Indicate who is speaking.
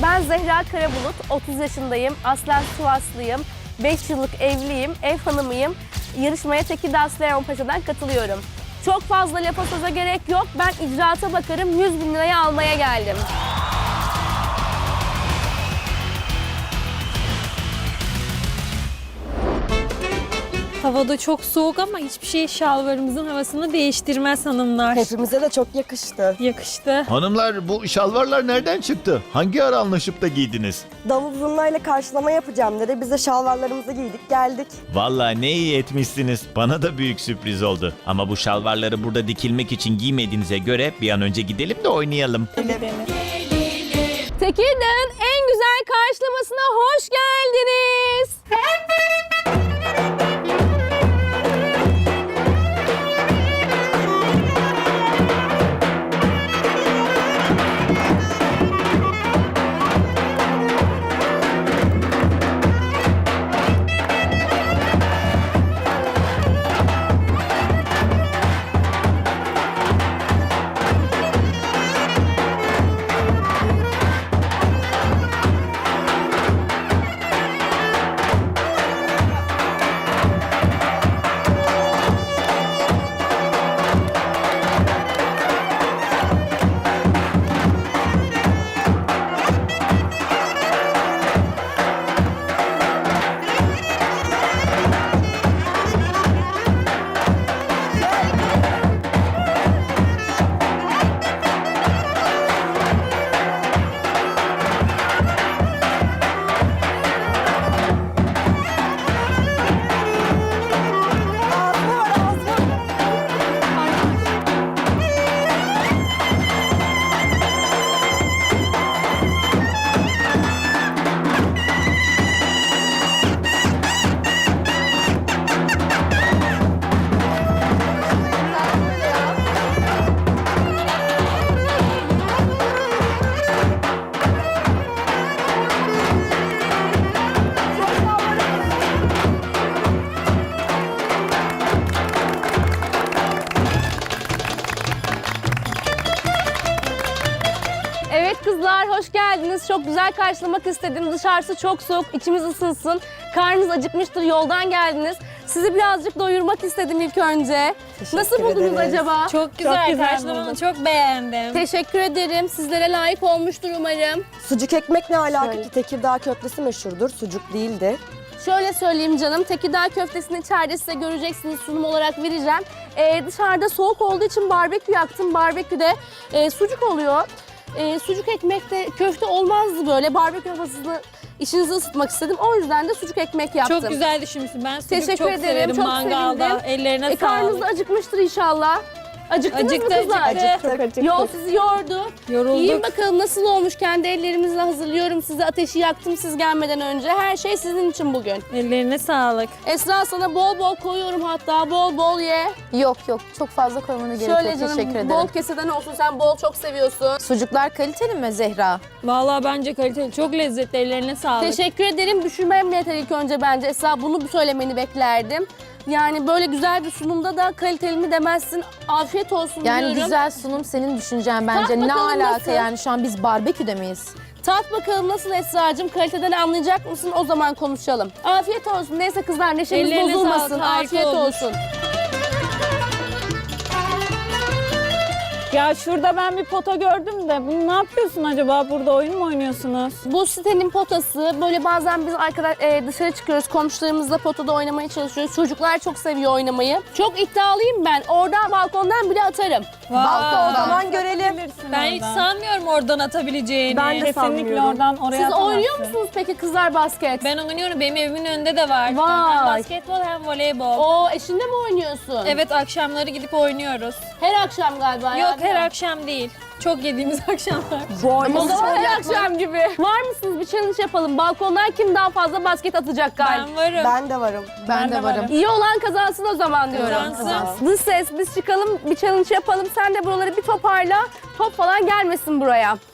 Speaker 1: Ben Zehra Karabulut, 30 yaşındayım, aslen Sivaslıyım, 5 yıllık evliyim, ev hanımıyım. Yarışmaya Tekirdağ Süleymanpaşa'dan katılıyorum. Çok fazla lafa söze gerek yok, ben icraata bakarım, 100.000 lirayı almaya geldim.
Speaker 2: Havada çok soğuk ama hiçbir şey şalvarımızın havasını değiştirmez hanımlar.
Speaker 3: Hepimize de çok yakıştı.
Speaker 2: Yakıştı.
Speaker 4: Hanımlar bu şalvarlar nereden çıktı? Hangi ara anlaşıp da giydiniz?
Speaker 3: Davul zurnayla karşılama yapacağım dedi. Biz de şalvarlarımızı giydik geldik.
Speaker 4: Vallahi ne iyi etmişsiniz. Bana da büyük sürpriz oldu. Ama bu şalvarları burada dikilmek için giymediğinize göre bir an önce gidelim de oynayalım.
Speaker 1: Tekirdağ'ın en güzel karşılamasına hoş geldiniz. Evet kızlar hoş geldiniz. Çok güzel karşılamak istedim. Dışarısı çok soğuk, içimiz ısınsın. Karnınız acıkmıştır, yoldan geldiniz. Sizi birazcık doyurmak istedim ilk önce.
Speaker 3: Teşekkür
Speaker 1: Nasıl buldunuz
Speaker 3: ederiz.
Speaker 1: acaba?
Speaker 2: Çok güzel,
Speaker 3: güzel
Speaker 2: karşılamanı
Speaker 3: buldum.
Speaker 2: çok beğendim.
Speaker 1: Teşekkür ederim. Sizlere layık olmuştur umarım.
Speaker 3: Sucuk ekmek ne alaka
Speaker 1: Şöyle.
Speaker 3: ki? Tekirdağ köftesi meşhurdur. Sucuk değildi.
Speaker 1: Şöyle söyleyeyim canım, Tekirdağ köftesini içeride size göreceksiniz, sunum olarak vereceğim. Dışarıda soğuk olduğu için barbekü yaktım. Barbeküde sucuk oluyor. Sucuk ekmekte köfte olmazdı böyle. Barbekü havasını içinizi ısıtmak istedim. O yüzden de sucuk ekmek yaptım.
Speaker 2: Çok güzel düşünmüşsün. Ben sucuk
Speaker 1: Teşekkür
Speaker 2: çok
Speaker 1: ederim,
Speaker 2: severim
Speaker 1: çok
Speaker 2: mangalda.
Speaker 1: sevindim.
Speaker 2: Ellerine
Speaker 1: Karnınız da
Speaker 2: sağlık.
Speaker 1: acıkmıştır inşallah. Acıktınız mı kızlar?
Speaker 3: Acıktık.
Speaker 1: Yol sizi yordu.
Speaker 2: Yorulduk.
Speaker 1: Yiyin bakalım nasıl olmuş. Kendi ellerimizle hazırlıyorum size. Ateşi yaktım siz gelmeden önce. Her şey sizin için bugün.
Speaker 2: Ellerine sağlık.
Speaker 1: Esra sana bol bol koyuyorum hatta. Bol bol ye.
Speaker 5: Yok yok çok fazla koymana gerek
Speaker 1: Şöyle
Speaker 5: yok. Teşekkür
Speaker 1: canım
Speaker 5: ederim.
Speaker 1: bol keseden olsun. Sen bol çok seviyorsun.
Speaker 5: Sucuklar kaliteli mi Zehra?
Speaker 2: Vallahi bence kaliteli. Çok lezzetli. Ellerine sağlık.
Speaker 1: Teşekkür ederim. Düşürmem yeter ilk önce bence. Esra bunu söylemeni beklerdim. Yani böyle güzel bir sunumda da kaliteli mi demezsin. Afiyet olsun
Speaker 5: Yani
Speaker 1: diyorum.
Speaker 5: güzel sunum senin düşüncen bence. Ne
Speaker 1: bakalım
Speaker 5: alaka
Speaker 1: nasıl?
Speaker 5: yani şu an biz barbeküde miyiz?
Speaker 1: Tat bakalım nasıl Esra'cığım? Kaliteden anlayacak mısın? O zaman konuşalım. Afiyet olsun. Neyse kızlar neşemiz
Speaker 2: Ellerine
Speaker 1: bozulmasın.
Speaker 2: sağlık, harika
Speaker 1: Afiyet
Speaker 2: olmuş.
Speaker 1: olsun.
Speaker 6: Ya şurada ben bir pota gördüm de bunu ne yapıyorsun acaba? Burada oyun mu oynuyorsunuz?
Speaker 1: Bu sitenin potası. Böyle bazen biz dışarı çıkıyoruz. Komşularımızla potada oynamaya çalışıyoruz. Çocuklar çok seviyor oynamayı. Çok iddialıyım ben. Oradan balkondan bile atarım.
Speaker 3: Balta o zaman görelim.
Speaker 2: Ben hiç sanmıyorum oradan atabileceğini.
Speaker 3: Ben de
Speaker 6: Kesinlikle
Speaker 3: sanmıyorum.
Speaker 6: oradan oraya
Speaker 1: Siz
Speaker 6: atamazsın.
Speaker 1: oynuyor musunuz peki kızlar basket?
Speaker 2: Ben oynuyorum. Benim evimin önünde de var.
Speaker 1: Vay.
Speaker 2: Hem basketbol hem voleybol.
Speaker 1: O eşinle mi oynuyorsun?
Speaker 2: Evet akşamları gidip oynuyoruz.
Speaker 1: Her akşam galiba.
Speaker 2: Yok
Speaker 1: ya.
Speaker 2: her akşam değil. Çok yediğimiz akşamlar.
Speaker 1: O zaman her akşam gibi. Var mısınız? Bir challenge yapalım. Balkondan kim daha fazla basket atacak galiba?
Speaker 2: Ben varım.
Speaker 3: Ben de varım.
Speaker 5: Ben de varım.
Speaker 1: İyi olan kazansın o zaman diyorum.
Speaker 2: Kazansın.
Speaker 1: Dış ses biz çıkalım bir challenge yapalım. Sen de buraları bir toparla. Top falan gelmesin buraya.